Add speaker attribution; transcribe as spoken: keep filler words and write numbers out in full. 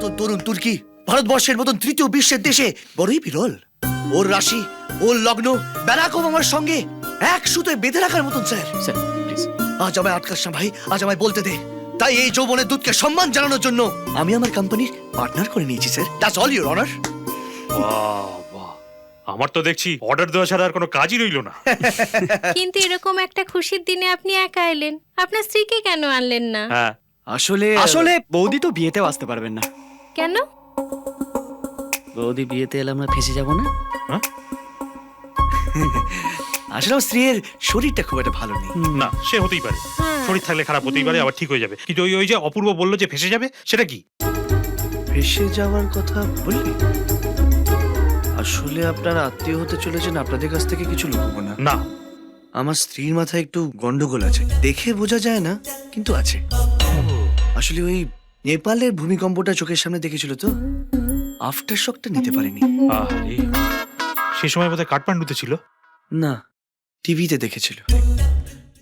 Speaker 1: মতন তরুণ তুর্কি ভারতবর্ষের মতন তৃতীয় বিশ্বের দেশে বড়ই বিরল। ওর রাশি, ওর লগ্ন ব্যারাক ওবামার সঙ্গে এক সুতোয় বেঁধে রাখার মতন। Sir
Speaker 2: sir please.
Speaker 1: আজ আমায় আটকাস না ভাই, আজ আমায় বলতে দে। তাই এই যৌবনের দূতকে সম্মান জানানোর জন্য আমি আমার কোম্পানির পার্টনার করে নিয়েছি sir. That's all your honour.
Speaker 3: বাহ বাহ, আমার তো দেখছি অর্ডার দেওয়া ছাড়া আর কোনো কাজই রইল না।
Speaker 4: কিন্তু এরকম একটা খুশির দিনে আপনি একা এলেন, আপনার স্ত্রীকে কেন আনলেন না?
Speaker 3: হ্যাঁ,
Speaker 1: আসলে
Speaker 2: আসলে বৌদি তো বিয়েতেও আসতে পারবেন না।
Speaker 4: কেন?
Speaker 2: বৌদি বিয়েতে এলে আমরা ফেসে যাব না?
Speaker 1: আসলে আমার স্ত্রীর শরীরটা খুব একটা ভালো নেই।
Speaker 3: না সে হতেই পারে,
Speaker 4: হ্যাঁ।
Speaker 3: শরীর থাকলে খারাপ হতেই পারে, আবার ঠিক হয়ে যাবে। কিন্তু ওই ওই যে অপূর্ব বললো যে ফেসে যাবে, সেটা কি?
Speaker 1: ভেসে যাওয়ার কথা বললি? আসলে আপনারা আত্মীয় হতে চলেছেন, আপনাদের কাছ থেকে কিছু লুকবো না।
Speaker 3: না,
Speaker 1: আমার স্ত্রীর মাথায় একটু গন্ডগোল আছে, দেখে বোঝা যায় না কিন্তু আছে। আসলে ওই নেপালের ভূমিকম্পটা চোখের সামনে দেখেছিল তো, আফটার শকটা নিতে পারেনি।
Speaker 3: আরে সে সময় বোধহয় কাঠমান্ডুতে ছিল।
Speaker 1: না, টিভিতে দেখেছিল।